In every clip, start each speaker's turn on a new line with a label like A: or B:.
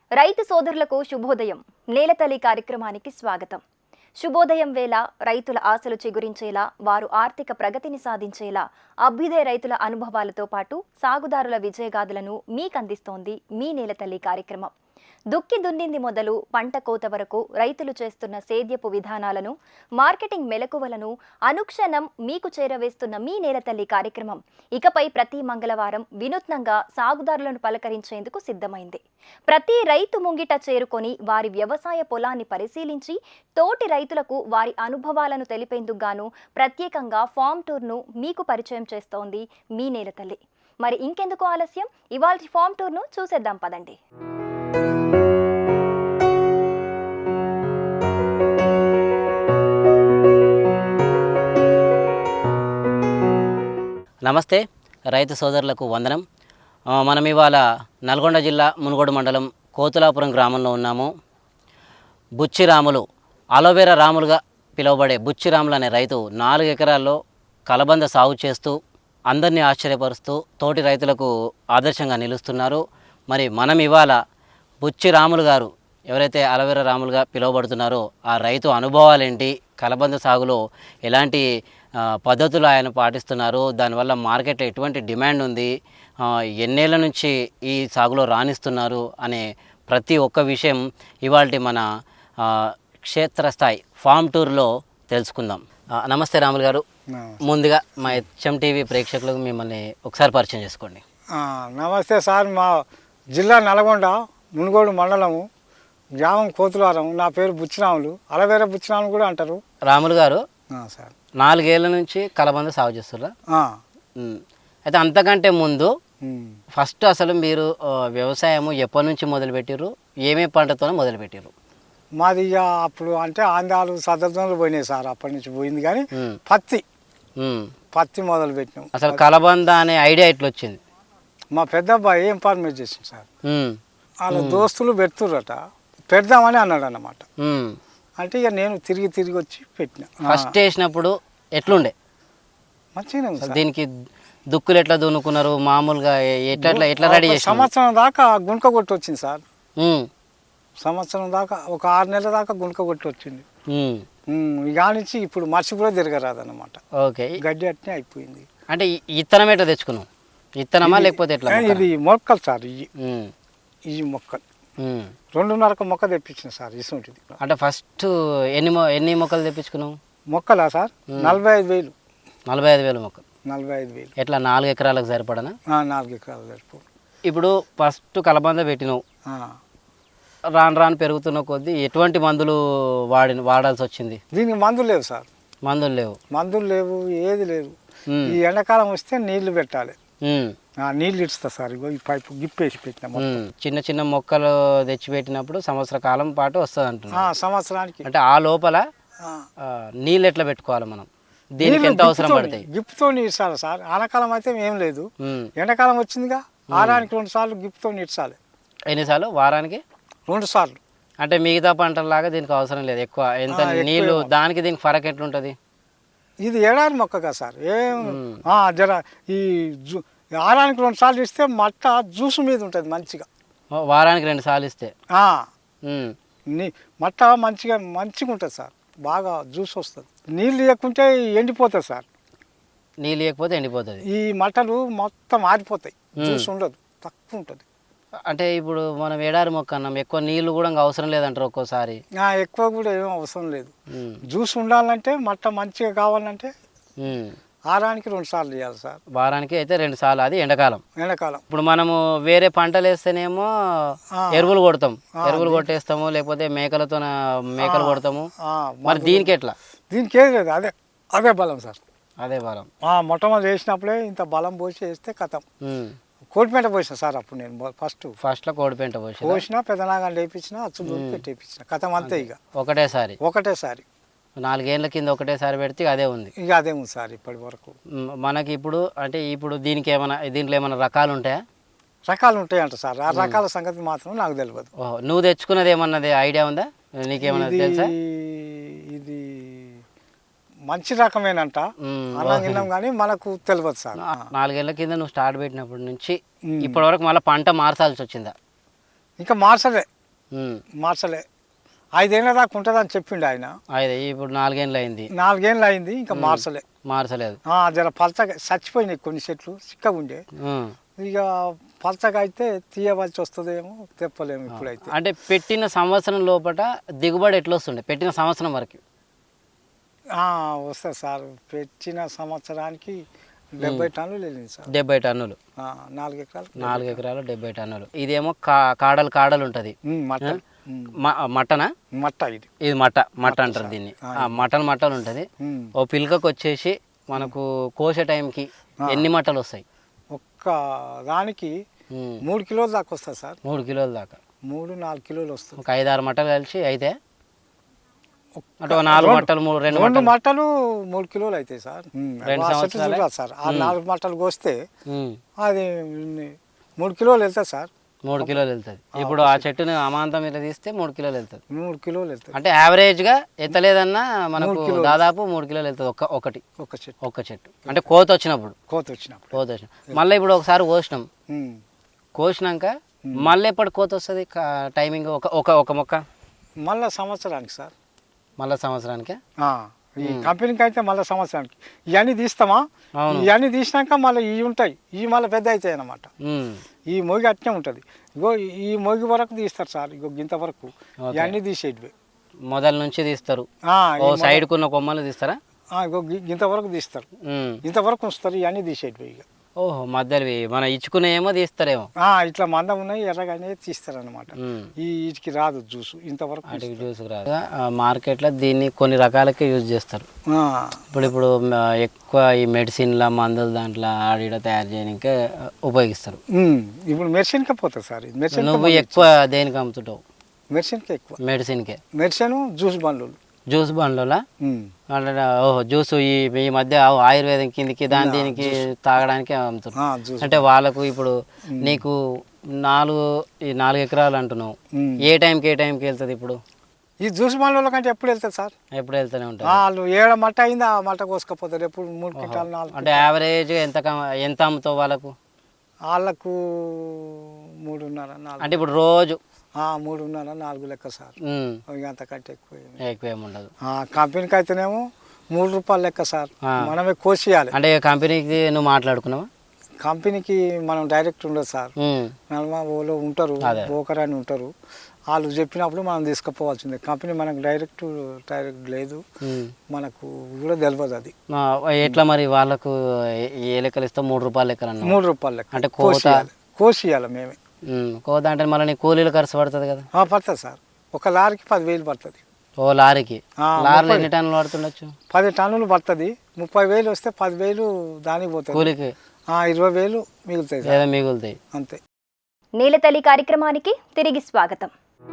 A: రైతు సోదరులకు శుభోదయం. నేలతల్లి కార్యక్రమానికి స్వాగతం. శుభోదయం వేళ రైతుల ఆశలు చిగురించేలా, వారు ఆర్థిక ప్రగతిని సాధించేలా అభ్యుదయ రైతుల అనుభవాలతో పాటు సాగుదారుల విజయగాథలను మీకందిస్తోంది మీ నేలతల్లి కార్యక్రమం. దుక్కి దున్నింది మొదలు పంట కోత వరకు రైతులు చేస్తున్న సేద్యపు విధానాలను, మార్కెటింగ్ మెలకువలను అనుక్షణం మీకు చేరవేస్తున్న మీ నేలతల్లి కార్యక్రమం ఇకపై ప్రతి మంగళవారం వినూత్నంగా సాగుదారులను పలకరించేందుకు సిద్ధమైంది. ప్రతి రైతు ముంగిట చేరుకొని వారి వ్యవసాయ పొలాన్ని పరిశీలించి తోటి రైతులకు వారి అనుభవాలను తెలిపేందుకు గాను ప్రత్యేకంగా ఫామ్ టూర్ను మీకు పరిచయం చేస్తోంది మీ నేలతల్లి. మరి ఇంకెందుకు ఆలస్యం, ఇవాల్టి ఫామ్ టూర్ను చూసేద్దాం పదండి.
B: నమస్తే రైతు సోదరులకు వందనం. మనం ఇవాళ నల్గొండ జిల్లా మునుగోడు మండలం కోతులాపురం గ్రామంలో ఉన్నాము. బుచ్చిరాములు, అలోవెరా రాములుగా పిలువబడే బుచ్చిరాములు అనే రైతు 4 ఎకరాల్లో కలబంద సాగు చేస్తూ అందరినీ ఆశ్చర్యపరుస్తూ తోటి రైతులకు ఆదర్శంగా నిలుస్తున్నారు. మరి మనం ఇవాళ బుచ్చిరాములు గారు ఎవరైతే అలోవెరా రాములుగా పిలువబడుతున్నారో ఆ రైతు అనుభవాలేంటి, కలబంద సాగులో ఎలాంటి పద్ధతులు ఆయన పాటిస్తున్నారు, దానివల్ల మార్కెట్లో ఎటువంటి డిమాండ్ ఉంది, ఎన్నేళ్ల నుంచి ఈ సాగులో రాణిస్తున్నారు అనే ప్రతి ఒక్క విషయం ఇవాళ మన క్షేత్రస్థాయి ఫామ్ టూర్లో తెలుసుకుందాం. నమస్తే రాములు గారు. ముందుగా మా హెచ్ఎం టీవీ ప్రేక్షకులకు మిమ్మల్ని ఒకసారి పరిచయం చేసుకోండి.
C: నమస్తే సార్. మా జిల్లా నల్గొండ మునుగోడు మండలము, గ్రామం కోతులారం. నా పేరు బుచ్చిరాములు, అలవేరా బుచ్చిరాములు కూడా అంటారు.
B: రాములు గారు
C: సార్
B: 4 ఏళ్ల నుంచి కలబంద సాగు చేస్తున్నా. అయితే అంతకంటే ముందు ఫస్ట్ అసలు మీరు వ్యవసాయము ఎప్పటి నుంచి మొదలుపెట్టారు, ఏమేమి పంటతోనే మొదలుపెట్టారు?
C: మాది ఇక అప్పుడు అంటే ఆంధ్రాలు సదర్థంలో పోయినాయి సార్. అప్పటి నుంచి పోయింది కానీ పత్తి మొదలు పెట్టినాం.
B: అసలు కలబంద అనే ఐడియా ఎట్లా వచ్చింది?
C: మా పెద్ద అబ్బాయి ఇన్ఫార్మేట్ చేసింది సార్. వాళ్ళ దోస్తులు పెడుతుర్రట, పెడదామని అన్నాడు అన్నమాట. అంటే ఇక నేను తిరిగి వచ్చి పెట్టిన.
B: ఫస్ట్ వేసినప్పుడు ఎట్లుండే?
C: మంచిగా.
B: దీనికి దుక్కులు ఎట్లా దున్నుకున్నారు మామూలుగా, ఎట్లా రెడీ చేసి?
C: సంవత్సరం దాకా గుంక కొట్టి వచ్చింది సార్. సంవత్సరం దాకా ఒక 6 నెలల దాకా గుంక కొట్టి వచ్చింది. ఇక నుంచి ఇప్పుడు మర్చి కూడా తిరగరాదన్నమాట. ఓకే, గడ్డి అట్నే అయిపోయింది.
B: అంటే ఇత్తనం ఎట్లా తెచ్చుకున్నాం? ఇత్తనమా లేకపోతే ఎట్లా?
C: ఇది మొక్కలు సార్, ఈ మొక్కలు 2.5 మొక్క తెప్పించిన సార్. ఇసుంటిది
B: అంటే ఫస్ట్ ఎన్ని మొక్కలు తెప్పించుకున్నావు?
C: మొక్కలా సార్ 45,000.
B: 45,000 మొక్కలు.
C: 45,000
B: ఎట్లా 4 ఎకరాలకు సరిపడనా?
C: 4 ఎకరాలు సరిపోదు.
B: ఇప్పుడు ఫస్ట్ కలబంద పెట్టినావు, రాను పెరుగుతున్న కొద్దీ ఎటువంటి మందులు వాడాల్సి వచ్చింది?
C: దీనికి మందులు లేవు సార్. మందులు లేవు, ఏది లేదు. ఈ ఎండాకాలం వస్తే నీళ్లు పెట్టాలి. నీళ్ళు ఇస్తా సార్. ఈ పైపు గిప్పేసి పెట్టిన
B: చిన్న మొక్కలు తెచ్చి పెట్టినప్పుడు సంవత్సర కాలం పాటు వస్తుంది అంటున్నా.
C: సంవత్సరానికి.
B: అంటే ఆ లోపల నీళ్ళు ఎట్లా పెట్టుకోవాలి మనం? దీనికి ఎంత అవసరం పడతాయి?
C: గిప్తో ఇస్తాను సార్. ఆనకాలం అయితే ఏం లేదు, ఎండాకాలం వచ్చిందిగా, వారానికి 2 సార్లు గిప్తో ఇచ్చాలి.
B: ఎన్నిసార్లు? వారానికి
C: 2 సార్లు.
B: అంటే మిగతా పంటలాగా దీనికి అవసరం లేదు ఎక్కువ. ఎంత నీళ్లు దానికి దీనికి ఫరక్ ఎట్లుంటుంది?
C: ఇది ఏడాది మొక్కగా సార్. జర ఈ వారానికి 2 సార్లు ఇస్తే మట్ట జ్యూస్ మీద ఉంటుంది మంచిగా.
B: వారానికి 2 సార్లు ఇస్తే
C: మట్ట మంచిగా ఉంటుంది సార్. బాగా జ్యూస్ వస్తుంది. నీళ్ళు ఇవ్వకుంటే ఎండిపోతుంది సార్.
B: నీళ్ళు ఇవ్వకపోతే ఎండిపోతుంది.
C: ఈ మట్టలు మొత్తం ఆరిపోతాయి, జ్యూస్ ఉండదు, తక్కువ ఉంటుంది.
B: అంటే ఇప్పుడు మనం ఎడారి మొక్క అన్నాం, ఎక్కువ నీళ్లు కూడా అవసరం లేదంటారు ఒక్కోసారి?
C: ఎక్కువ కూడా ఏం అవసరం లేదు. జ్యూస్ ఉండాలంటే మట్ట మంచిగా కావాలంటే వారానికి 2 సార్లు చేయాలి సార్.
B: వారానికి అయితే 2 సార్లు. అది ఎండాకాలం.
C: ఇప్పుడు
B: మనము వేరే పంటలు వేస్తేనేమో ఎరువులు కొట్టేస్తాము, లేకపోతే మేకలు కొడతాము. మరి దీనికి ఎట్లా?
C: దీనికి ఏది లేదు, అదే బలం సార్.
B: అదే బలం.
C: మొట్టమొదటి వేసినప్పుడే ఇంత బలం పోసి వేస్తే కథం. కోడిపెంట పోసిన సార్ అప్పుడు నేను ఫస్ట్లో
B: కోడిపెంట
C: పోసిన, పెద్దనాగా లేపించిన, అచ్చులు పెట్టేపించిన, కథం అంతే. ఇక ఒకటేసారి
B: 4 ఏళ్ళ కింద ఒకటేసారి పెడితే అదే ఉంది.
C: ఇక అదే ఉంది సార్ ఇప్పటి వరకు.
B: మనకి ఇప్పుడు దీంట్లో ఏమైనా రకాలు ఉంటాయా?
C: రకాలు ఉంటాయంట సార్. ఆ రకాల సంగతి మాత్రం నాకు తెలియదు.
B: నువ్వు తెచ్చుకున్నది ఏమన్నది ఐడియా ఉందా? నీకేమన్నా తెలుసా?
C: ఇది మంచి రకమేనంట అన్నం కానీ మనకు తెలియదు సార్.
B: 4 ఏళ్ల కింద నువ్వు స్టార్ట్ పెట్టినప్పటి నుంచి ఇప్పటి వరకు మళ్ళీ పంట మార్చాల్సి వచ్చిందా?
C: ఇంకా మార్చలే. మార్చలే 5 ఏళ్ళ దాకా ఉంటుందని చెప్పిండు ఆయన.
B: ఇప్పుడు 4 ఏళ్ళు అయింది.
C: 4 ఏళ్ళు అయింది ఇంకా
B: మార్చలేదు.
C: జర పలచగా చచ్చిపోయినాయి కొన్ని చెట్లు చిక్కగా ఉండే. ఇక పలచగా అయితే తీయవలసి వస్తుందేమో తెప్పలేము ఇప్పుడైతే.
B: అంటే పెట్టిన సంవత్సరం లోపల దిగుబడి ఎట్లా వస్తుండే పెట్టిన సంవత్సరం వరకు?
C: వస్తుంది సార్. పెట్టిన సంవత్సరానికి 70 టన్నులు వెళ్ళింది సార్.
B: 70 టన్నులు.
C: 4 ఎకరాలు.
B: 4 ఎకరాలు 70 టన్నులు. ఇదేమో కాడలు ఉంటుంది. మటనా?
C: మట్ట.
B: ఇది మట్ట అంటారు దీన్ని. మట్టలు ఉంటుంది. ఓ పిల్కకు వచ్చేసి మనకు కోసే టైంకి ఎన్ని మట్టలు వస్తాయి?
C: ఒక్క దానికి 3 కిలోల దాకా వస్తుంది సార్.
B: 3 కిలోల దాకా.
C: 3-4 కిలోలు వస్తుంది.
B: ఒక 5-6 మట్టలు కలిసి అయితే అంటే 4 మట్టలు 2
C: మట్టలు 3 కిలోలు అవుతాయి సార్.
B: 2 సంవత్సరాలు
C: సార్. ఆ 4 మట్టలు కోస్తే అది 3 కిలోలు వెళ్తుంది సార్.
B: 3 కిలోలు వెళ్తుంది. ఇప్పుడు ఆ చెట్టుని అమాంతం ఇలా తీస్తే 3 కిలోలు వెళ్తుంది.
C: 3 కిలోలు వెళ్తుంది.
B: అంటే యావరేజ్గా ఎత్తలేదన్నా మనకు దాదాపు 3 కిలోలు వెళ్తుంది ఒక్క చెట్టు. అంటే కోత వచ్చినప్పుడు మళ్ళీ ఇప్పుడు ఒకసారి కోసినాక మళ్ళీ ఎప్పుడు కోత వస్తుంది టైమింగ్? ఒక మొక్క
C: మళ్ళీ సంవత్సరానికి సార్.
B: మళ్ళీ సంవత్సరానికి
C: ఈ కంపెనీకి అయితే మళ్ళీ సంవత్సరానికి ఇవన్నీ తీస్తామా. ఇవన్నీ తీసినాక మళ్ళీ ఇవి ఉంటాయి. ఇవి మళ్ళీ పెద్ద అవుతాయి అన్నమాట. ఈ మొగి అట్నే ఉంటుంది. ఇగో ఈ మొగి వరకు తీస్తారు సార్. ఇగో గింత వరకు ఇవన్నీ తీసేటివి.
B: మొదల నుంచి తీస్తారు. సైడ్ కున్న కొమ్మలు తీస్తారా?
C: ఇగో గింత వరకు తీస్తారు. ఇంతవరకు ఉంచుతారు. ఇవన్నీ తీసేటివి. ఇక
B: ఓహో మధ్యలో మన ఇచ్చుకునే ఏమో తీస్తారేమో.
C: ఇట్లా మందం ఉన్నాయి ఎర్రగానే తీస్తారు అనమాట. వీటికి రాదు జ్యూస్. ఇంతవరకు
B: జ్యూస్ రాదు. మార్కెట్లో దీన్ని కొన్ని రకాలకే యూజ్ చేస్తారు. ఇప్పుడు ఎక్కువ ఈ మెడిసిన్ల మందులు దాంట్లో ఆడిడ తయారు చేయడానికే ఉపయోగిస్తారు.
C: ఇప్పుడు మెడిసిన్కే పోతుంది సార్.
B: నువ్వు ఎక్కువ దేనికి అమ్ముతుంటావు?
C: మెడిసిన్కే ఎక్కువ. మెడిసిన్ జ్యూస్ బండ్ల
B: ఓహో జ్యూస్ ఈ మధ్య ఆయుర్వేదం కిందికి దీనికి తాగడానికి అమ్ముతున్నారు. అంటే వాళ్ళకు ఇప్పుడు నీకు 4 ఎకరాలు అంటున్నావు. ఏ టైంకి వెళ్తుంది ఇప్పుడు?
C: ఈ జ్యూస్ బండ్ల కంటే ఎప్పుడు వెళ్తుంది సార్?
B: ఎప్పుడు వెళ్తూనే ఉంటుంది.
C: వాళ్ళు 7 మట్ట అయింది ఆ మట్ట కోసుకపోతారు. ఎప్పుడు 3 క్వింటాలు 4.
B: అంటే యావరేజ్ ఎంత అమ్ముతావు వాళ్ళకు?
C: 3.5-4.
B: అంటే ఇప్పుడు రోజు
C: 3.5-4 లెక్క సార్. అంతకంటే
B: ఎక్కువ ఉండదు.
C: కంపెనీకి అయితేనేమో 3 రూపాయలు లెక్క సార్. మనమే కోసియాలి.
B: అంటే కంపెనీకి నువ్వు మాట్లాడుకున్నావా?
C: కంపెనీకి మనం డైరెక్ట్ ఉండదు సార్. వాళ్ళు ఉంటారు, బ్రోకర్ అని ఉంటారు. వాళ్ళు చెప్పినప్పుడు మనం తీసుకుపోవాల్సిందే. కంపెనీ మనకు డైరెక్ట్ లేదు. మనకు కూడా తెలియదు అది.
B: ఎట్లా మరి వాళ్ళకు ఏ లెక్కలు ఇస్తావు? 3 రూపాయలు లెక్కలు అన్నా?
C: 3 రూపాయలు లెక్క. అంటే కోసియాలి మేమే.
B: కోత అంటే మళ్ళీ నీ కూలీలు ఖర్చు పడుతుంది కదా?
C: పడుతుంది సార్. ఒక లారీకి 10,000 పడుతుంది.
B: లారీకి ఎన్ని టన్నులు పడుతుండొచ్చు?
C: 10 టన్నులు పడుతుంది. 30,000 వస్తే 10,000 దానికి పోతుంది కూలికి. 20,000
B: మిగులుతాయి
C: అంతే.
A: నేలతల్లి కార్యక్రమానికి తిరిగి స్వాగతం.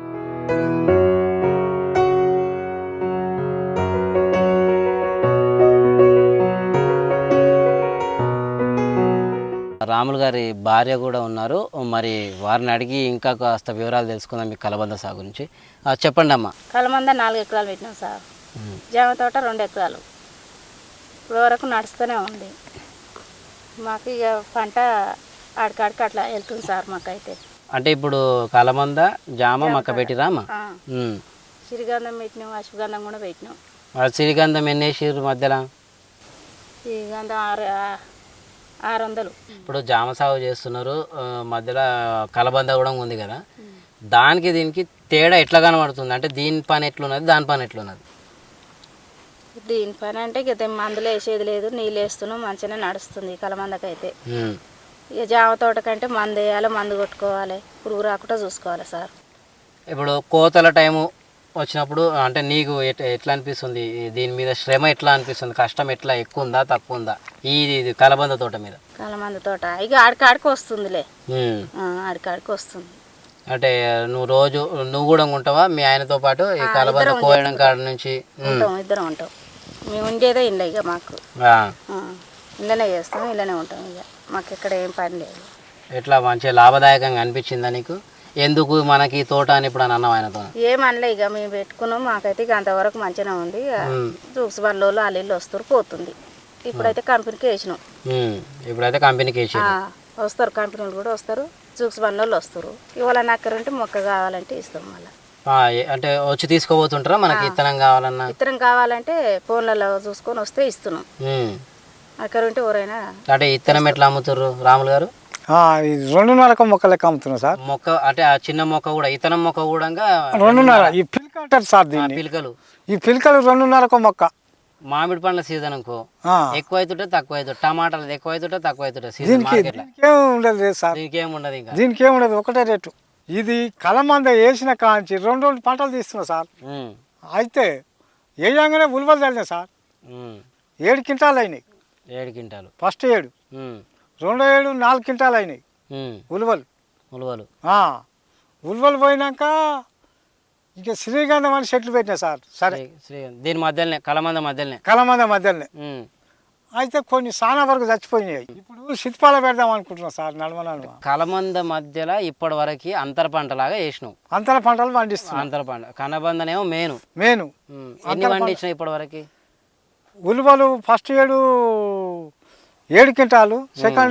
B: రాములు గారి భార్య కూడా ఉన్నారు. మరి వారిని అడిగి ఇంకా కాస్త వివరాలు తెలుసుకుందాం మీ కలబంద సాగు గురించి. చెప్పండి అమ్మా.
D: కలబంద 4 ఎకరాలు పెట్టినాం సార్. జామ తోట 2 ఎకరాలు. ఇప్పుడు వరకు నడుస్తూనే ఉంది మాకు. ఇక పంట ఆడికాడికి అట్లా వెళ్తుంది సార్ మాకైతే.
B: అంటే ఇప్పుడు కలబంద జామ మక్క పెట్టిరామా?
D: సిరిగంధం పెట్టినాం, అశ్వగంధం కూడా పెట్టినాం.
B: సిరిగంధం ఎన్ని వేసిర్రు మధ్యలో?
D: సిరిగంధం 600.
B: ఇప్పుడు జామ సాగు చేస్తున్నారు, మధ్యలో కలబంద కూడా ఉంది కదా, దానికి దీనికి తేడా ఎట్లా కనబడుతుంది? అంటే దీని పని ఎట్లున్నది, దాని పని ఎట్లున్నది?
D: దీని పని అంటే ఇక మందులు వేసేది లేదు, నీళ్ళు వేస్తున్నాం, మంచిగానే నడుస్తుంది కలబందకైతే. ఇక జామ తోట కంటే మందు వేయాలి, మందు కొట్టుకోవాలి, పురుగు రాకుండా చూసుకోవాలి సార్.
B: ఇప్పుడు కోతల టైము వచ్చినప్పుడు అంటే నీకు ఎట్లా అనిపిస్తుంది? దీని మీద శ్రమ ఎట్లా అనిపిస్తుంది? కష్టం ఎట్లా ఎక్కువ ఉందా తక్కువ ఉందా ఇది కలబంద తోట మీద?
D: కలబంద తోట ఇక ఆడికాడికి వస్తుందిలే, ఆడికాడికి వస్తుంది.
B: అంటే నువ్వు రోజు నువ్వు కూడా ఉంటావా మీ ఆయనతో పాటు ఈ కలబంద కోయడం కాడ నుంచి?
D: ఇద్దరం ఉంటాం. మేము ఉండేదే ఇండ్ల, ఇక మాకు ఇండ్లనే చేస్తాం, ఇండ్లనే ఉంటాం. ఇక మాకు ఇక్కడ ఏం పని లేదు.
B: ఎట్లా మంచిగా లాభదాయకంగా అనిపించిందా నీకు? ఎందుకు మనకి తోట అని ఇప్పుడు అని అన్నావు ఆయనతో?
D: ఏమనలే, ఇక మేము పెట్టుకున్నాం, మాకైతే ఇక అంతవరకు మంచిగా ఉంది. జూక్స్ బండ్లో అల్లు వస్తారు పోతుంది. ఇప్పుడైతే కంపెనీకి వేసినాం.
B: ఇప్పుడైతే కంపెనీకి వేసి
D: వస్తారు, కంపెనీలు కూడా వస్తారు, జూక్స్ బండి వాళ్ళు వస్తారు ఇవాళ నక్కరుంటే మొక్క కావాలంటే ఇస్తాం మళ్ళీ.
B: అంటే వచ్చి తీసుకోబోతుంటారా మనకి ఇత్తనం కావాలన్నా?
D: ఇతరం కావాలంటే ఫోన్లలో చూసుకొని వస్తే ఇస్తున్నాం. నక్కరుంటే ఎవరైనా.
B: అంటే ఇత్తనం ఎట్లా అమ్ముతారు రాములు గారు?
C: ఇది 2.5 మొక్క లెక్క అమ్ముతున్నాం సార్.
B: మొక్క అంటే ఆ చిన్న మొక్క కూడా ఇతనం మొక్క కూడా
C: 2.5 ఈ పిలక అంటారు సార్ దీన్ని.
B: పిలకలు,
C: ఈ పిలకలు 2.5 మొక్క.
B: మామిడి పండ్ల సీజన్ అనుకో ఎక్కువ అవుతుంటే తక్కువ అవుతుంది, టమాటాలు ఎక్కువ అవుతుంటే తక్కువ అవుతుంటే సీజన్
C: దీనికి ఉండదు లేదు సార్.
B: దీనికి ఏముండదు, ఇంకా
C: దీనికి ఏముండదు, ఒకటే రేటు. ఇది కలమంద వేసిన కాంచి 2 పంటలు తీస్తున్నా సార్. అయితే వేయంగానే ఉలువలు చల్లినాయి సార్. 7 క్వింటాలు అయినాయి.
B: 7 క్వింటాలు
C: ఫస్ట్ 7, రెండో 7 4 క్వింటాలు అయినాయి ఉలువలు. ఉలువలు పోయినాక ఇక శ్రీగంధం అని చెట్లు పెట్టినా సార్. సరే
B: దీని మధ్యలోనే కలమంద
C: మధ్యలోనే అయితే కొన్ని చాలా వరకు చచ్చిపోయినాయి. ఇప్పుడు సిత్పాల పెడదాం అనుకుంటున్నాం సార్. నడమ
B: కలమంద మధ్యలో ఇప్పటి వరకు అంతర పంటలాగా వేసినావు.
C: అంతర పంటలు పండిస్తున్నాం.
B: అంతర పంట కనబందనేమో మేను ఎన్ని పండించినావు ఇప్పటి వరకు?
C: ఉలువలు first 7 quintal, second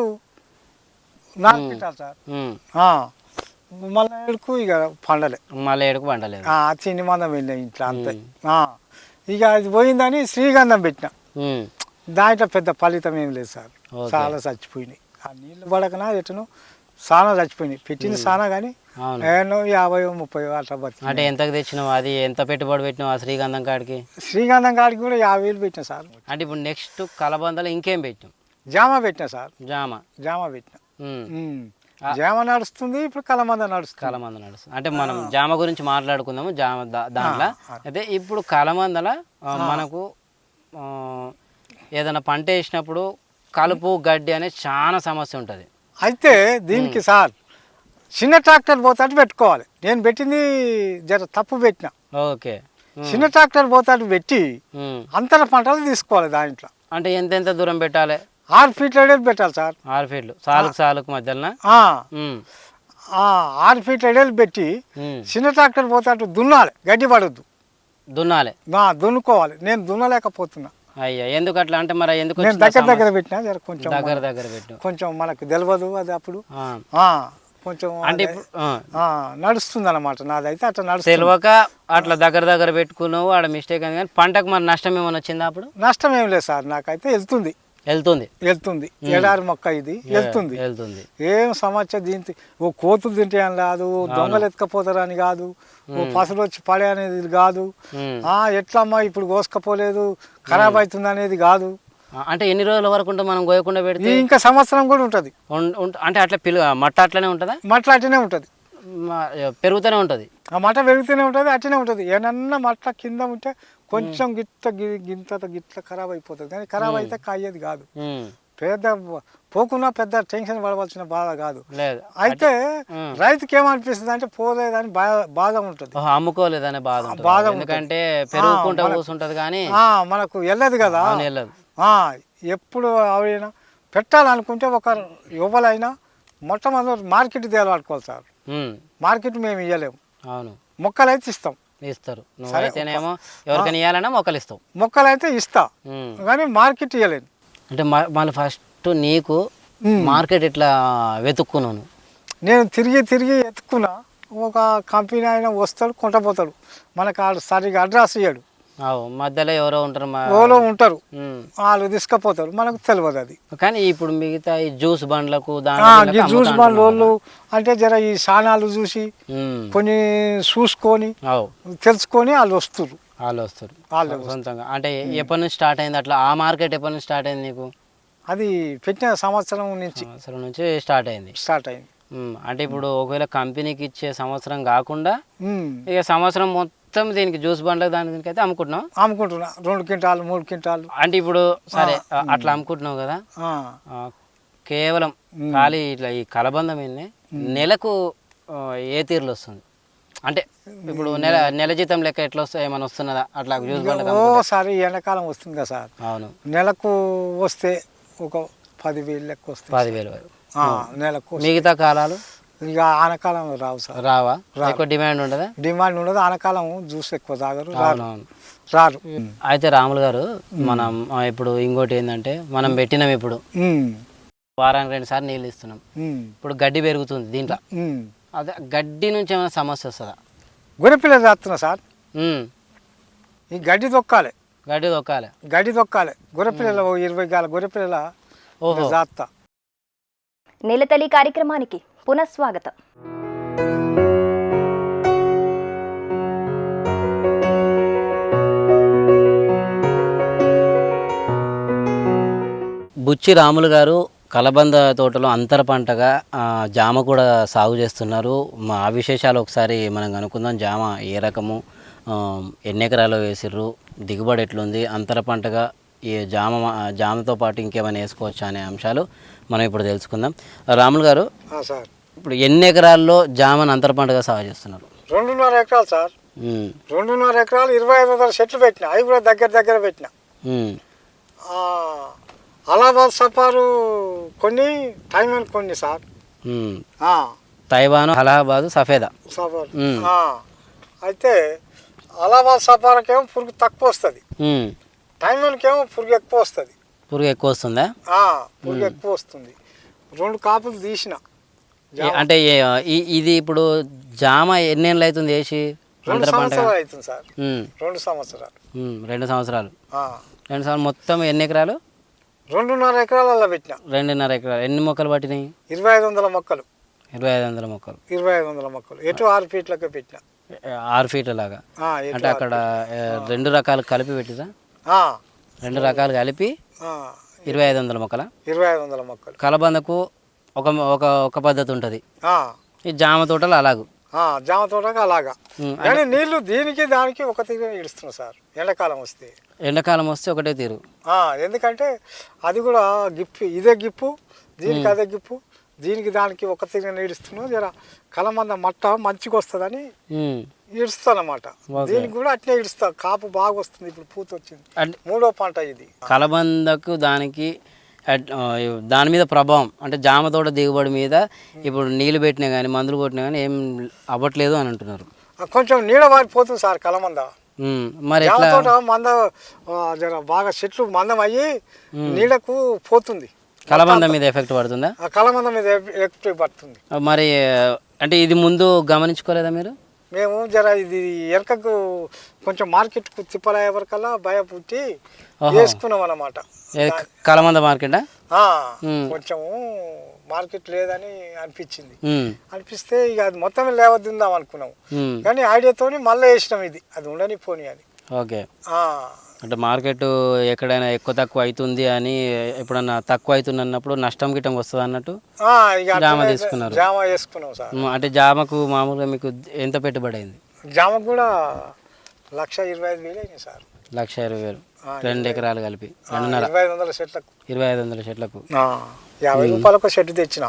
C: 4 quintal sir. మళ్ళీ 7కు ఇక పండలే.
B: మళ్ళీ 7కు పండలేదు.
C: చిన్ని మందం వెళ్ళినాయి ఇంట్లో అంతే. ఇక అది పోయిందని శ్రీగంధం పెట్టిన. దాంట్లో పెద్ద ఫలితం ఏం లేదు సార్. చాలా చచ్చిపోయినాయి. ఆ నీళ్ళు పడకనా ఎటును చాలా చచ్చిపోయినాయి. పెట్టింది చాలా కానీ 50-30 అట్లా బతికి.
B: అంటే ఎంతకు తెచ్చినావు? అది ఎంత పెట్టుబడి పెట్టినావు ఆ శ్రీగంధం కాడికి?
C: శ్రీగంధం కాడికి కూడా 50,000 పెట్టినా సార్.
B: అంటే ఇప్పుడు నెక్స్ట్ కలబందలో ఇంకేం పెట్టినాం?
C: జామ పెట్టినా సార్. జామ పెట్టినా. జామ నడుస్తుంది, ఇప్పుడు కలమంద నడుస్తుంది.
B: అంటే మనం జామ గురించి మాట్లాడుకుందాము. జామ దాంట్లో అయితే ఇప్పుడు కలమందల మనకు ఏదైనా పంట వేసినప్పుడు కలుపు గడ్డి అనే చాలా సమస్య ఉంటుంది.
C: అయితే దీనికి సార్ చిన్న ట్రాక్టర్ పోతాడు పెట్టుకోవాలి. నేను పెట్టింది జర తప్పు పెట్టిన.
B: ఓకే,
C: చిన్న ట్రాక్టర్ పోతాడు పెట్టి అంతర పంటలు తీసుకోవాలి. దాంట్లో
B: అంటే ఎంత దూరం పెట్టాలి?
C: 6 ఫీట్ల పెట్టాలి సార్.
B: 6 ఫీట్లు సాలుకు మధ్యలో
C: 6 ఫీట్ల ఎడలు పెట్టి చిన్న ట్రాక్టర్ పోతాడు దున్నాలి. గడ్డి పడొద్దు, దున్నుకోవాలి. నేను దున్నలేకపోతున్నా.
B: అయ్యా ఎందుకు అట్లా? అంటే మరి ఎందుకు?
C: నేను దగ్గర పెట్టినా జర కొంచెం
B: దగ్గర పెట్టు.
C: కొంచెం మనకు తెలియదు అది. అప్పుడు కొంచెం అంటే నడుస్తుంది అన్నమాట. నాదైతే అట్లా నడుస్తుంది.
B: తెలియక అట్లా దగ్గర పెట్టుకున్నావు, ఆడ మిస్టేక్ అని. కానీ పంటకు మరి నష్టం ఏమైనా వచ్చిందా? అప్పుడు
C: నష్టం ఏం లేదు సార్. నాకైతే వెళ్తుంది. ఎడారి మొక్క ఇది వెళ్తుంది. ఏం సమస్య దీంతో ఓ కోతులు తింటే అని కాదు, దొంగలు ఎత్తుకపోతారని కాదు, ఓ పసలు వచ్చి పడే అనేది కాదు, ఎట్లమ్మా ఇప్పుడు కోసుకపోలేదు ఖరాబ్ అవుతుంది అనేది కాదు.
B: అంటే ఎన్ని రోజుల వరకు ఉంటుంది మనం కోయకుండా పెడితే?
C: ఇంకా సంవత్సరం కూడా ఉంటుంది.
B: అంటే అట్లా మట్ట అట్లనే ఉంటుందా?
C: మట్ట అట్లనే ఉంటుంది,
B: పెరుగుతూనే ఉంటుంది.
C: ఆ మట్ట పెరుగుతూనే ఉంటుంది, అట్లనే ఉంటుంది. ఏమన్నా మట్ట కింద ఉంటే కొంచెం గిట్ల ఖరాబ్ అయిపోతుంది. కానీ ఖరాబ్ అయితే కాయేది కాదు. పెద్ద పోకున్నా పెద్ద టెన్షన్ పడవలసిన బాధ కాదు. అయితే రైతుకి ఏమనిపిస్తుంది అంటే పోలేదని బాధ ఉంటుంది,
B: అమ్ముకోలేదని బాధ. ఎందుకంటే పెరుగుకుంటా కూర్చుంటది కానీ
C: మనకు వెళ్ళదు కదా. ఎప్పుడు అవైనా పెట్టాలనుకుంటే ఒక యువలైనా మొట్టమొదటి మార్కెట్ తేలాడుకోవాలి సార్. మార్కెట్ మేము ఇవ్వలేము.
B: అవును,
C: మొక్కలు అయితే
B: ఇస్తారు. నువ్వైతేనేమో ఎవరికైనా ఇవ్వాలన్నా మొక్కలు ఇస్తావు.
C: మొక్కలు అయితే ఇస్తా కానీ మార్కెట్ ఇవ్వలేను.
B: అంటే మళ్ళీ ఫస్ట్ నీకు మార్కెట్ ఎట్లా వెతుక్కున్నాను?
C: నేను తిరిగి ఎత్తుకున్నా. ఒక కంపెనీ అయినా వస్తాడు, కొంటపోతాడు. మనకు ఆడు సరిగా అడ్రస్ ఇయ్యాడు.
B: మధ్యలో ఎవరో ఉంటారు,
C: వాళ్ళు తీసుకుపోతారు, మనకు తెలియదు అది.
B: కానీ ఇప్పుడు మిగతా ఈ జ్యూస్ బండ్లకు
C: జ్యూస్ బండ్ల వాళ్ళు అంటే జర ఈ సానాలు చూసి కొన్ని చూసుకొని తెలుసుకొని వాళ్ళు వస్తారు.
B: సొంతంగా. అంటే ఎప్పటి నుంచి స్టార్ట్ అయింది అట్లా? ఆ మార్కెట్ ఎప్పటి నుంచి స్టార్ట్ అయింది నీకు?
C: అది పెట్టిన సంవత్సరం నుంచి
B: స్టార్ట్ అయింది. అంటే ఇప్పుడు ఒకవేళ కంపెనీకి ఇచ్చే సంవత్సరం కాకుండా ఇక సంవత్సరం మొత్తం దీనికి జ్యూస్ బండ్లకు దానికి అయితే అమ్ముకుంటున్నా
C: 2 క్వింటాలు 3 క్వింటాలు.
B: అంటే ఇప్పుడు సరే అట్లా అమ్ముకుంటున్నావు కదా, కేవలం ఖాళీ ఇట్లా ఈ కలబందం నెలకు ఏ తీరులో వస్తుంది? అంటే ఇప్పుడు నెల జీతం లెక్క ఎట్లా వస్తాయి? ఏమైనా వస్తున్నదా అట్లా జ్యూస్ బండ్లకు?
C: ఓసారి ఎండాకాలం వస్తుంది కదా సార్.
B: అవును,
C: నెలకు వస్తే ఒక 10,000 లెక్క వస్తుంది.
B: 10,000 వరకు
C: నెలకు.
B: మిగతా కాలాలు
C: ఇక ఆనకాలంలో రావు సార్.
B: రావా? ఎక్కువ డిమాండ్ ఉండదా?
C: డిమాండ్ ఉండదు. ఆనకాలం జ్యూస్ ఎక్కువ తాగరు, రారు.
B: అయితే రాములు గారు, మనం ఇప్పుడు ఇంకోటి ఏంటంటే మనం పెట్టినాం ఇప్పుడు వారానికి 2 సార్లు నీళ్ళు ఇస్తున్నాం.
C: ఉమ్,
B: ఇప్పుడు గడ్డి పెరుగుతుంది దీంట్లో,
C: ఉమ్.
B: అదే గడ్డి నుంచి ఏమైనా సమస్య వస్తుందా?
C: గొర్రెపిల్ల చేస్తున్నా సార్.
B: ఉమ్,
C: ఈ గడ్డి తొక్కాలి,
B: గడ్డి తొక్కాలి.
C: గొర్రెపిల్లల 20 గాల గొర్రెపిల్లల
B: ఓహో.
C: జాత.
A: నేలతల్లి కార్యక్రమానికి పునఃస్వాగతం.
B: బుచ్చి రాములు గారు కలబంద తోటలో అంతర పంటగా జామ కూడా సాగు చేస్తున్నారు. ఆ విశేషాలు ఒకసారి మనం కనుక్కుందాం. జామ ఏ రకము, ఎన్ని ఎకరాలు వేసిర్రు, దిగుబడి ఎట్లుంది, అంతర పంటగా ఈ జామతో పాటు ఇంకేమైనా వేసుకోవచ్చా అనే అంశాలు మనం ఇప్పుడు తెలుసుకుందాం. రాములు గారు,
C: సార్
B: ఇప్పుడు ఎన్ని ఎకరాల్లో జామను అంతర పంటగా సాగు చేస్తున్నారు?
C: 2.5 ఎకరాలు సార్. 2.5 ఎకరాలు 2500 చెట్లు పెట్టిన, అవి కూడా దగ్గర పెట్టిన. అలహాబాద్ సఫారు కొన్ని, తైవాన్ కొన్ని సార్.
B: తైవాన్, అలహాబాద్, సఫేదా
C: సఫారు. అయితే అలహాబాద్ సఫారకేమో పురుగు తక్కువ వస్తుంది, తైవాన్కేమో పురుగు ఎక్కువ వస్తుంది.
B: పురుగు ఎక్కువ వస్తుందా?
C: పురుగు ఎక్కువ వస్తుంది. 2 కాపులు తీసిన.
B: అంటే ఇది ఇప్పుడు జామ ఎన్ని ఏళ్ళు అవుతుంది వేసి?
C: 2 సంవత్సరాలు అవుతుంది సార్. 2 సంవత్సరాలు.
B: 2 సంవత్సరాలు. 2 సంవత్సరాలు. మొత్తం ఎన్ని ఎకరాలు?
C: 2.5 ఎకరాలలో పెట్టిన.
B: 2.5 ఎకరాలు. ఎన్ని మొక్కలు పట్టినాయి?
C: 2500 మొక్కలు.
B: 2500 మొక్కలు.
C: 2500 మొక్కలు. ఎటు 6 ఫీట్లకే పెట్టిన.
B: 6 ఫీట్ల లాగా. అంటే అక్కడ 2 రకాలు కలిపి పెట్టిరా? 2 రకాలు కలిపి 2500 మొక్కల.
C: 2500 మొక్కలు.
B: కలబందకు ఒక పద్ధతి ఉంటుంది, ఈ జామ తోటలు అలాగూ.
C: జామ తోటకు అలాగా. కానీ నీళ్లు దీనికి దానికి ఒక తీరు ఇడుస్తున్నాం సార్. ఎండాకాలం వస్తే
B: ఒకటే తీరు.
C: ఎందుకంటే అది కూడా గిప్పు, ఇదే గిప్పు, దీనికి అదే గిప్పు, దీనికి దానికి ఒక తీరు ఇడుస్తున్నాం. జర కలమంద మట్ట మంచిగా వస్తుందని ఇడుస్తాను అన్నమాట. దీనికి కూడా అట్నే ఇడుస్తా. కాపు బాగా వస్తుంది. ఇప్పుడు పూత వచ్చింది, 3వ పంట ఇది.
B: కలబందకు దానికి దాని మీద ప్రభావం అంటే జామ తోట దిగుబడి మీద ఇప్పుడు నీళ్లు పెట్టినా కానీ మందులు కొట్టినా కానీ ఏం అవ్వట్లేదు అని అంటున్నారు.
C: కొంచెం నీడ వారిపోతుంది సార్ కలమంద.
B: మరి
C: తోట మంద జర బాగా చెట్లు మందం అయ్యి నీడకు పోతుంది.
B: కలబంద మీద ఎఫెక్ట్ పడుతుందా?
C: కలమంద మీద ఎఫెక్ట్ పడుతుంది.
B: మరి అంటే ఇది ముందు గమనించుకోలేదా మీరు?
C: మేము జర ఇది వెనకకు కొంచెం మార్కెట్కు తిప్పలయ్యే వరకల్లా భయపుట్టి వేసుకున్నాం అన్నమాట.
B: కలమంద మార్కెట్
C: కొంచెం మార్కెట్ లేదని అనిపిస్తే ఇక అది మొత్తం లేవద్దాం అనుకున్నాం. కానీ ఐడియాతోని మళ్ళీ వేసినాం. ఇది అది ఉండని పోనీ అని.
B: ఓకే. అంటే మార్కెట్ ఎక్కడైనా ఎక్కువ తక్కువ అవుతుంది అని, ఎప్పుడన్నా తక్కువ అవుతుంది అన్నప్పుడు నష్టం గిట్టం వస్తుంది అన్నట్టు జామ తీసుకున్నారు.
C: జామ వేసుకున్నాం సార్.
B: అంటే జామకు మామూలుగా మీకు ఎంత పెట్టుబడి అయింది?
C: జామకు కూడా 1,25,000 అయింది సార్.
B: 1,20,000. 2 ఎకరాలు కలిపి
C: 2.5 చెట్లకు.
B: 2,500 చెట్లకు
C: 50 రూపాయలకు చెట్టు తెచ్చిన.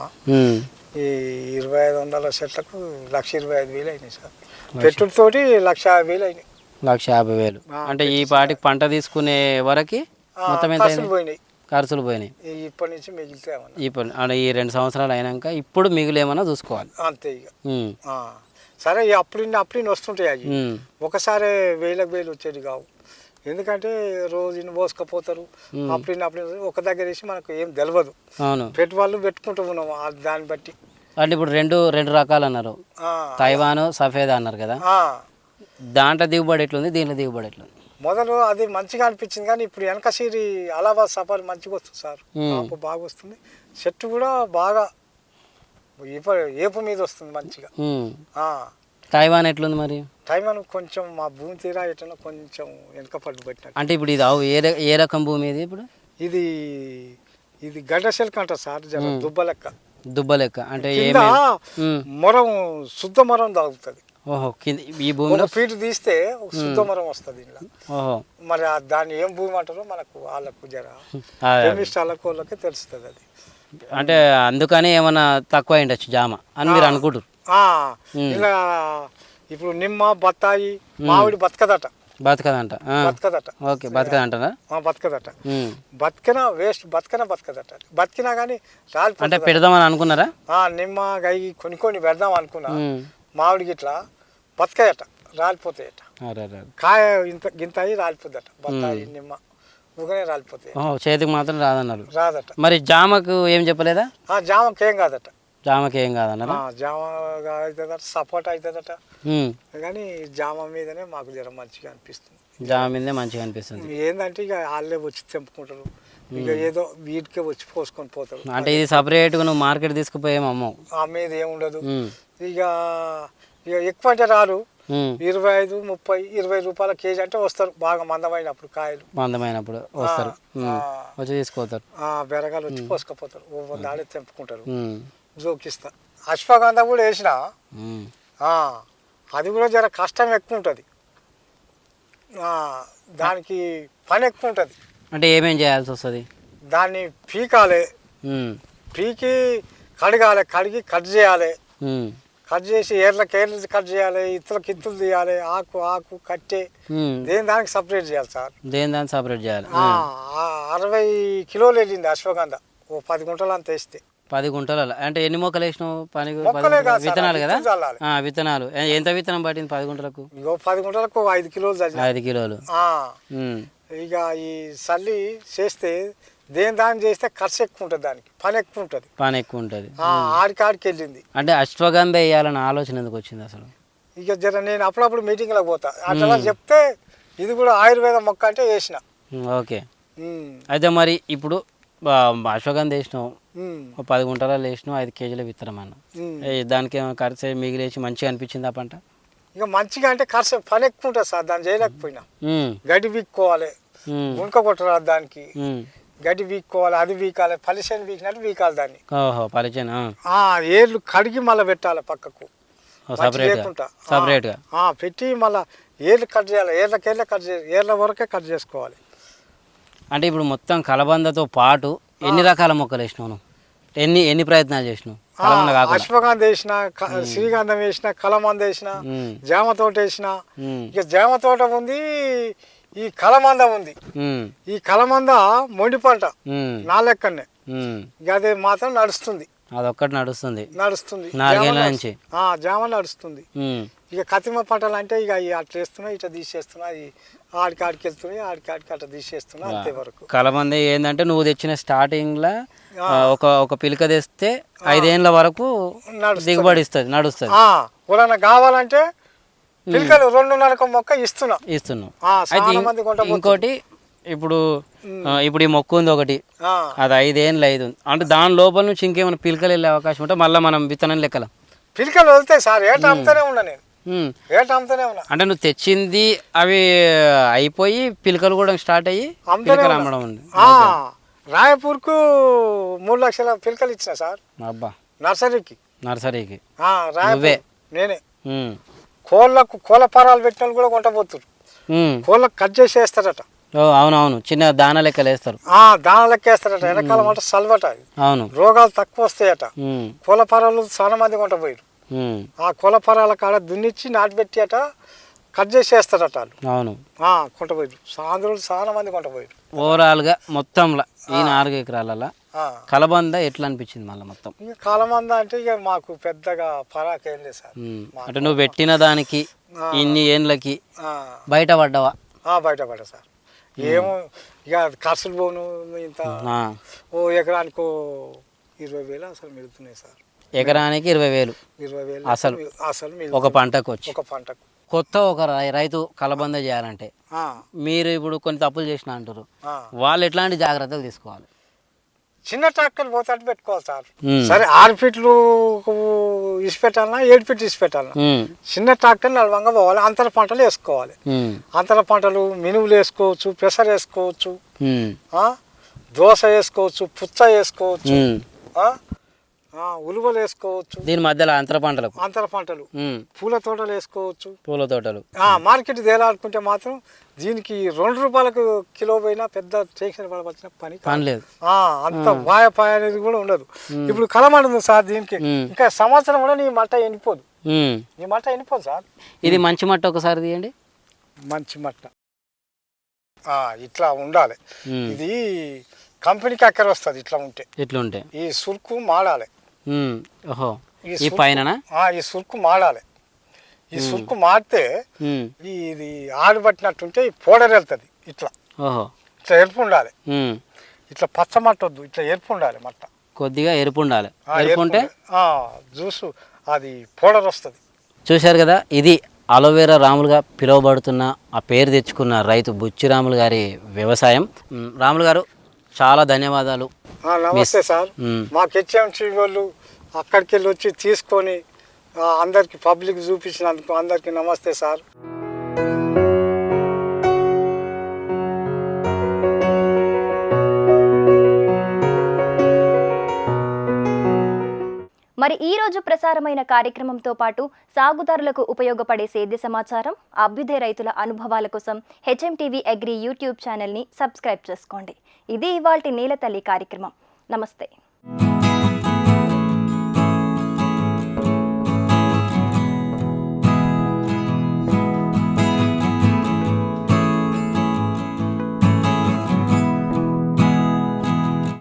C: ఈ 2,500 చెట్లకు 1,25,000 అయినాయి సార్. పెట్టుడితోటి 1,50,000 అయినాయి.
B: 1,50,000. అంటే ఈ పాటికి పంట తీసుకునే వరకు మొత్తం ఎంత
C: పోయినాయి?
B: ఖర్చులు పోయినాయి.
C: ఇప్పటి నుంచి మిగిలితే
B: ఇప్పుడు అంటే ఈ 2 సంవత్సరాలు అయినాక ఇప్పుడు మిగులేమన్నా చూసుకోవాలి
C: అంతే ఇక. సరే అప్పుడు వస్తుంటాయి అవి. ఒకసారి 1000 వచ్చేది కావు. ఎందుకంటే రోజు ఇన్ని పోసుకపోతారు. అప్పుడు ఒక దగ్గర వేసి మనకు ఏం తెలియదు. పెట్టుబడులు పెట్టుకుంటూ ఉన్నాము దాన్ని బట్టి.
B: అంటే ఇప్పుడు రెండు రకాలు అన్నారు, తైవాన్, సఫేదా అన్నారు కదా. దాంట్లో దిగుబడి ఎట్లుంది, దీంట్లో దిగుబడి ఎట్లుంది?
C: మొదలు అది మంచిగా అనిపించింది, కానీ ఇప్పుడు వెనక సీరి అలహాబాద్ సఫారీ మంచిగా వస్తుంది సార్. కాపు బాగా వస్తుంది. చెట్టు కూడా బాగా ఏపు మీద వస్తుంది మంచిగా.
B: తైవాన్ ఎట్లుంది మరి?
C: తైవాన్ కొంచెం మా భూమి తీరా ఎట్లా కొంచెం వెనక పట్టు పెట్టినట్టు.
B: అంటే ఇప్పుడు ఇది ఏ రకం భూమి ఇది? ఇప్పుడు
C: ఇది గడ్డ శెల్క అంటారు సార్. దుబ్బ లెక్క అంటే మొరం, శుద్ధ మొరం తాగుతుంది.
B: ఓహో. ఈ భూమిలో
C: ఫీట్ తీస్తే శుద్ధ మొరం వస్తుంది ఇంట్లో. మరి దాన్ని ఏం భూమి అంటారో మనకు వాళ్ళకు జర వాళ్ళకి తెలుస్తుంది అది.
B: అంటే అందుకని ఏమన్నా తక్కువ అయిండొచ్చు జామ అని మీరు అనుకుంటారు.
C: ఇలా ఇప్పుడు నిమ్మ, బత్తాయి, మామిడి బతకదట.
B: ఓకే. బతకదంటారా?
C: బతకదట. బతికినా కానీ
B: అంటే పెడదామని అనుకున్నారా?
C: నిమ్మ గై కొన్ని పెడదాం అనుకున్నా. మామిడికి ఇట్లా బతకాయట, రాలిపోతాయట. కాయ గింత అయ్యి రాలిపోద్దట. బత్తాయి, నిమ్మ ఊగనే రాలిపోతాయి.
B: చేతికి మాత్రం రాదన్నారు.
C: రాదట.
B: మరి జామకు ఏం చెప్పలేదా?
C: జామకి ఏం కాదట.
B: జామకి ఏం కాదన్నారా?
C: జామ అవుతుందట, సపోటా అవుతుందట. కానీ జామ మీదనే మాకు జర మంచిగా అనిపిస్తుంది.
B: జామ మీదే మంచిగా అనిపిస్తుంది.
C: ఏంటంటే ఇక వాళ్ళే వచ్చి తెంపుకుంటారు, ఇక ఏదో వీటికే వచ్చి పోసుకొని పోతారు.
B: అంటే ఇది సపరేట్గా నువ్వు మార్కెట్ తీసుకుపోయేమో అమ్మవు?
C: అమ్మేది ఏముండదు. ఇక ఇక ఎక్కువ అంటే రారు, 25, 30, 20 రూపాయల కేజీ అంటే వస్తారు. బాగా మందమైనప్పుడు కాయలు
B: మందమైనప్పుడు వస్తారు, వచ్చి తీసుకుపోతారు.
C: బెరగాలు వచ్చి పోసుకపోతారు, దాడే తెంపుకుంటారు. జోకిస్తా. అశ్వగంధ కూడా వేసిన, అది కూడా జర కష్టం ఎక్కువ ఉంటుంది, దానికి పని ఎక్కువ ఉంటుంది.
B: అంటే ఏమేం చేయాల్సి వస్తుంది?
C: దాన్ని పీకాలి, పీకి కడగాలి, కడిగి కట్ చేయాలి, కట్ చేసి ఏర్లకి కట్ చేయాలి, ఇత్తులకి ఇత్తులు తీయాలి, ఆకు ఆకు కట్టే దేని దానికి సపరేట్ చేయాలి సార్.
B: దేని దానికి సపరేట్ చేయాలి.
C: 60 కిలోలు వెళ్ళింది అశ్వగంధ, ఓ 10 గుంటలు అంత వేస్తే.
B: 10 గుంటల అంటే ఎన్ని మొక్కలు వేసినావు?
C: విత్తనాలు
B: కదా, విత్తనాలు. ఎంత విత్తనం పట్టింది 10 గుంటలకు?
C: 10 గుంటలకు 5 కిలోలు.
B: 5 కిలోలు.
C: ఇక ఈ సల్లి చేస్తే దేని దాన్ని చేస్తే ఖర్చు ఎక్కువ ఉంటుంది, దానికి పని ఎక్కువ ఉంటుంది.
B: పని ఎక్కువ ఉంటుంది.
C: ఆడికి వెళ్ళింది.
B: అంటే అశ్వగంధ వేయాలన్న ఆలోచన ఎందుకు వచ్చింది అసలు?
C: ఇక జర నేను అప్పుడప్పుడు మీటింగ్లకు పోతా, అట్లా చెప్తే ఇది కూడా ఆయుర్వేద మొక్క అంటే వేసిన.
B: ఓకే. అయితే మరి ఇప్పుడు అశ్వగంధ వేసినావు, 10 గుంటలలో వేసినావు, 5 కేజీల విత్తనం అన్న, దానికి ఖర్చు మిగిలేసి మంచిగా అనిపించింది ఆ పంట?
C: ఇక మంచిగా అంటే ఖర్చు పని ఎక్కువ ఉంటుంది సార్, దాన్ని చేయలేకపోయినా. గడ్డి వీక్కోవాలి, గుంక కొట్టరాదు దానికి, గడ్డి వీక్కోవాలి, అది వీకాలి, పలిసేను వీకినట్టు వీకాలి దాన్ని. ఏర్లు కడిగి మళ్ళీ పెట్టాలి పక్కకు సపరేట్గా పెట్టి మళ్ళీ ఏర్లు కట్ చేయాలి, ఏర్లకేళ్ళ కట్ చేయాలి, ఏర్ల వరకే కట్ చేసుకోవాలి.
B: అంటే ఇప్పుడు మొత్తం కలబందతో పాటు ఎన్ని రకాల మొక్కలు వేసినావు? ఎన్ని ప్రయత్నాలు చేసినావు?
C: అశ్వగంధ వేసిన, శ్రీగంధం వేసిన, కలమంద వేసిన, జామ తోట వేసిన. ఇక జామ తోట ఉంది, ఈ కలమంద ఉంది. ఈ కలమంద మొండి పంట నా లెక్కనే, ఇక అది మాత్రం నడుస్తుంది.
B: అదొక్కటి నడుస్తుంది.
C: 4 ఏళ్ళ నుంచి జామ నడుస్తుంది. ఇక కతిమ పంటలు అంటే ఇక అట్లా వేస్తున్నా, ఇట్లా తీసేస్తున్నా, ఆడికి వెళ్తున్నాయి, ఆడికి అట్లా తీసేస్తున్నా, అంతే వరకు.
B: కలమంది ఏంటంటే నువ్వు తెచ్చిన స్టార్టింగ్ లా ఒక పిలక తెస్తే 5 ఏళ్ళ వరకు దిగుబడి ఇస్తుంది, నడుస్తుంది.
C: ఎవరైనా కావాలంటే పిలకలు 2.5 మొక్క ఇస్తున్నాం.
B: ఇంకోటి ఇప్పుడు ఈ మొక్క ఉంది ఒకటి, అది 5 ఏళ్ళు అయింది అంటే దాని లోపల నుంచి ఇంకేమైనా పిలకలు వెళ్ళే అవకాశం ఉంటే మళ్ళీ మనం విత్తనం లెక్కల
C: పిలకలు వెళ్తాయి సార్. ఏటా అమ్ముతూనే ఉన్నా నేను,
B: అంటే నువ్వు తెచ్చింది అవి అయిపోయి పిలకలు కూడా స్టార్ట్ అయ్యి పిలకలు అమ్మడం ఉంది.
C: రాయపూర్కు 3 లక్షల పిలకలు ఇచ్చిన సార్.
B: అబ్బా.
C: నర్సరీకి నేనే. కోళ్ళ పరాలు పెట్టిన కూడా కొంటపోతున్నారు, కోళ్ళకు కట్ చేసేస్తారట.
B: అవునవును, చిన్న దాన లెక్కలు వేస్తారు.
C: దాన లెక్క వేస్తారట. వెనకాలం అంటే సల్వట,
B: అవును,
C: రోగాలు తక్కువ వస్తాయట. కోళ్ళ పరాలు చాలా మంది కొంటపోయారు. ఆ కోళ్ళ పరాల కాడ దున్నిచ్చి నాటిపెట్టి అట కట్ చేసేస్తారట వాళ్ళు.
B: అవును,
C: కొంటపోయారు. సాంద్రులు చాలా మంది కొంటపోయారు.
B: ఓవరాల్ గా మొత్తంలో ఈ 4 ఎకరాల కలబంద ఎట్లా అనిపించింది మళ్ళీ మొత్తం?
C: కలబంద అంటే ఇక మాకు పెద్దగా పరాకేం లేదు సార్.
B: అంటే నువ్వు పెట్టిన దానికి ఇన్ని ఏండ్లకి బయటపడ్డావా?
C: బయటపడ్డా సార్. ఏమో ఇక ఖర్చులు పోను, ఇంత ఓ ఎకరానికి 20,000 అసలు మిగులుతున్నాయి సార్.
B: ఎకరానికి 20,000 అసలు ఒక పంటకు వచ్చి. కొత్త ఒక రైతు కలబంద చేయాలంటే మీరు ఇప్పుడు కొన్ని తప్పులు చేసిన అంటారు, వాళ్ళు ఎట్లాంటి జాగ్రత్తలు తీసుకోవాలి?
C: చిన్న ట్రాక్టర్ పోతాడు పెట్టుకోవాలి సార్. సరే 6 ఫీట్లు ఇసి పెట్టాలన్నా, 7 ఫీట్లు ఇసి పెట్టాలన్నా, చిన్న ట్రాక్టర్ నడవంగా పోవాలి. అంతర పంటలు వేసుకోవాలి. అంతర పంటలు మినువులు వేసుకోవచ్చు, పెసర వేసుకోవచ్చు, దోస వేసుకోవచ్చు, పుచ్చ వేసుకోవచ్చు, ఉలువలు వేసుకోవచ్చు.
B: దీని మధ్యలో అంతర పంటలు
C: పూల తోటలు వేసుకోవచ్చు.
B: పూల తోటలు
C: మార్కెట్ తేలాడుకుంటే మాత్రం దీనికి 2 రూపాయలకు కిలో పోయినా పెద్ద టెన్షన్ పడవలసిన పని
B: లేదు.
C: అంత పాయ అనేది కూడా ఉండదు. ఇప్పుడు కలమండ ఉంది సార్, దీనికి ఇంకా సంవత్సరం కూడా నీ మట్ట ఎండిపోదు. సార్.
B: ఇది మంచి మట్ట ఒకసారి తీయండి.
C: మంచి మట్ట ఇట్లా ఉండాలి. ఇది కంపెనీకి అక్కర వస్తుంది. ఇట్లా ఉంటే ఈ సురుకు మాడాలి. ఈ పైన ఈ సురుకు మాడాలి. ఈ సురుకు మాడితే ఇది ఆడబట్టినట్టుంటే ఈ పౌడర్ వెళ్తుంది. ఇట్లా ఇట్లా ఎరుపు ఉండాలి, ఇట్లా పచ్చ మట్ట వద్దు, ఇట్లా ఎరుపు ఉండాలి మట్ట,
B: కొద్దిగా ఎరుపు ఉండాలి. ఎరుపు ఉంటే
C: జ్యూసు అది పౌడర్ వస్తుంది.
B: చూశారు కదా, ఇది అలోవెరా రాములుగా పిలువబడుతున్న ఆ పేరు తెచ్చుకున్న రైతు బుచ్చి రాములు గారి వ్యవసాయం. రాములు గారు చాలా ధన్యవాదాలు.
C: నమస్తే సార్. మాకు హెచ్ఎంసీ వాళ్ళు అక్కడికి వెళ్ళి వచ్చి తీసుకొని అందరికి పబ్లిక్ చూపించినందుకు అందరికీ నమస్తే సార్.
A: మరి ఈ రోజు ప్రసారమైన కార్యక్రమంతో పాటు సాగుదారులకు ఉపయోగపడే సేద్య సమాచారం, అభ్యుదయ రైతుల అనుభవాల కోసం హెచ్ఎంటీవీ అగ్రి యూట్యూబ్ ఛానల్ని సబ్స్క్రైబ్ చేసుకోండి. ఇది ఇవాల్టి నేలతల్లి కార్యక్రమం. నమస్తే.